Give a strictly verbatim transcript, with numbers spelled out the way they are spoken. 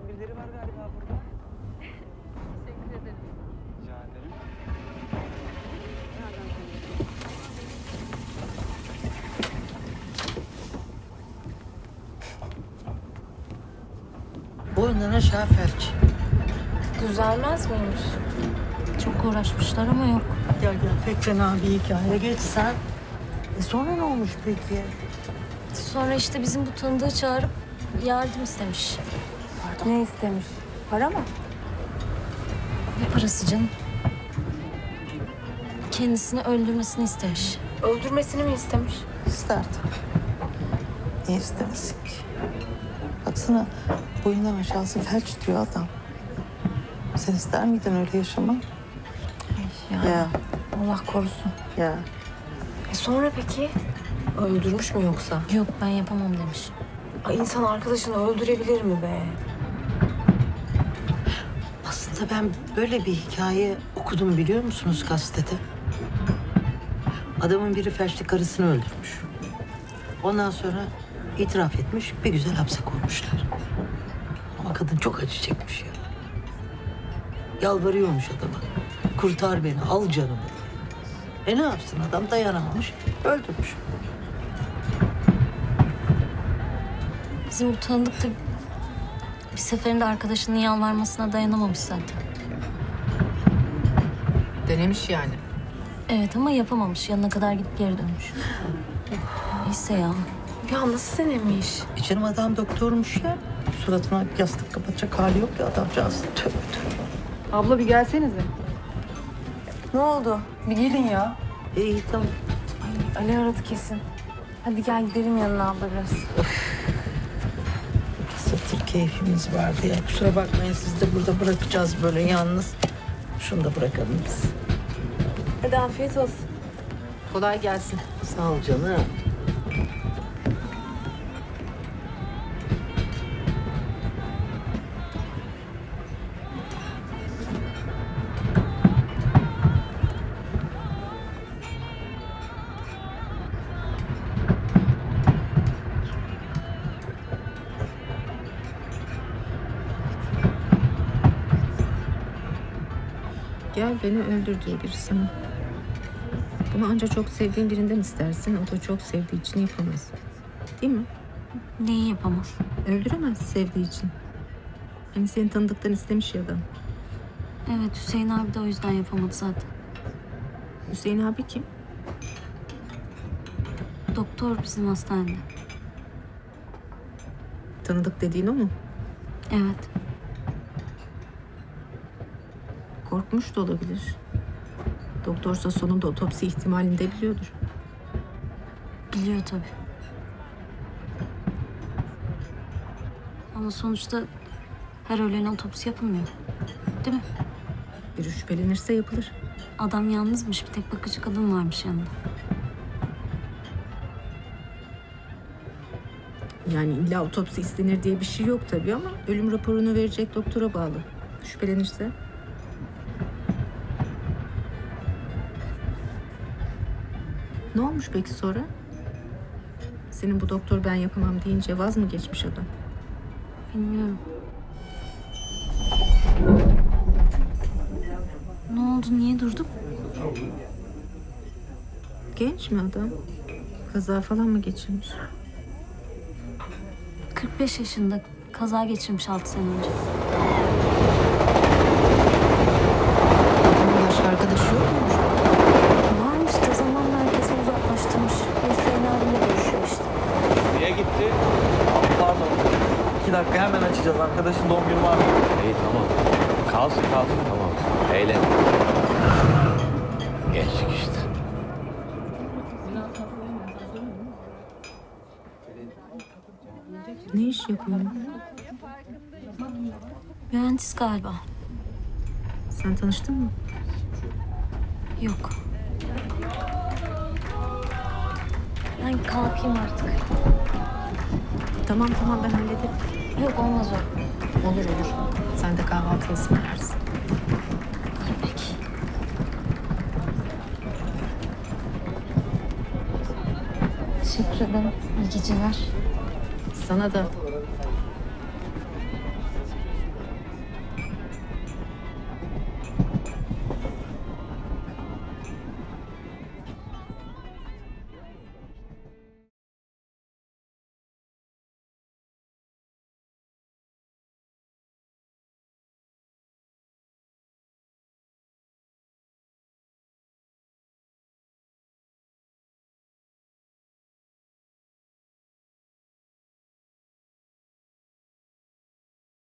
birileri var galiba burada. Teşekkür ederim. Rica ederim. Boyundan aşağı felç. Düzelmez miymiş? Çok uğraşmışlar ama yok. Gel gel, pek fena bir hikaye. Geç sen. E sonra ne olmuş peki? Sonra işte bizim bu tanıdığı çağırıp yardım istemiş. Ne istemiş? Para mı? Ne parası canım? Kendisini öldürmesini istemiş. Öldürmesini mi istemiş? İsterdim. Niye istemesin ki? Baksana, boyundan aşağısı felç diyor adam. Sen ister miydin öyle yaşamak? Yani Ya, Allah korusun. ya. E sonra peki? Öldürmüş mü yoksa? Yok ben yapamam demiş. Ay insan arkadaşını öldürebilir mi be? Aslında ben böyle bir hikaye okudum, biliyor musunuz, gazetede? Adamın biri felçli karısını öldürmüş. Ondan sonra itiraf etmiş, bir güzel hapse koymuşlar. Ama kadın çok acı çekmiş ya. Yalvarıyormuş adama. Kurtar beni, al canımı diye. E ne yapsın adam, dayanamamış, öldürmüş. Bizim bu tanıdık da bir seferinde arkadaşının yalvarmasına dayanamamış zaten. Denemiş yani. Evet ama yapamamış. Yanına kadar gidip geri dönmüş. Neyse ya. Ya nasıl denemiş? E canım adam doktormuş ya. Suratına yastık kapatacak hali yok ya adamcağız. Tövbe tövbe. Abla bir gelsenize. Ne oldu? Bir gelin ya. E, İyi tamam. Ali aradı kesin. Hadi gel gidelim yanına abla biraz. Sırtır keyfimiz vardı ya. Kusura bakmayın, siz de burada bırakacağız böyle yalnız. Şunu da bırakalım biz. Hadi afiyet olsun. Kolay gelsin. Sağ ol canım. Gel beni öldür diyor biri sana. Bunu ancak çok sevdiğin birinden istersin. O da çok sevdiği için yapamaz. Değil mi? Neyi yapamaz? Öldüremez sevdiği için. Hani seni tanıdıktan istemiş ya adam. Evet Hüseyin abi de o yüzden yapamadı zaten. Hüseyin abi kim? Doktor bizim hastanede. Tanıdık dediğin o mu? Evet. Korkmuş da olabilir. Doktorsa sonunda otopsi ihtimalini de biliyordur. Biliyor tabii. Ama sonuçta her ölene otopsi yapılmıyor. Değil mi? Biri şüphelenirse yapılır. Adam yalnızmış. Bir tek bakıcı kadın varmış yanında. Yani illa otopsi istenir diye bir şey yok tabii ama ölüm raporunu verecek doktora bağlı. Şüphelenirse. Ne olmuş peki sonra? Senin bu doktor ben yapamam deyince vaz mı geçmiş adam? Bilmiyorum. Ne oldu? Niye durduk? Genç mi adam? Kaza falan mı geçirmiş? kırk beş yaşında. Kaza geçirmiş altı sene önce. Adamın başka arkadaşı yok muymuş? Varmış da zamanla herkesi uzaklaştırmış. Hüseyin abiyle görüşüyor işte. Niye gitti? Pardon. İki dakika hemen açacağız. Arkadaşın doğum günü var. İyi tamam. Kalsın kalsın tamam. Eğlen. Gençlik işte. Ne iş yapıyor? Mühendis galiba. Sen tanıştın mı? Yok. Ben kalkayım artık. Tamam tamam ben hallederim. Yok olmaz o. Olur olur. Sen de kahvaltı ısmarlarsın. Peki. Teşekkür ederim. İyi geceler. Sana da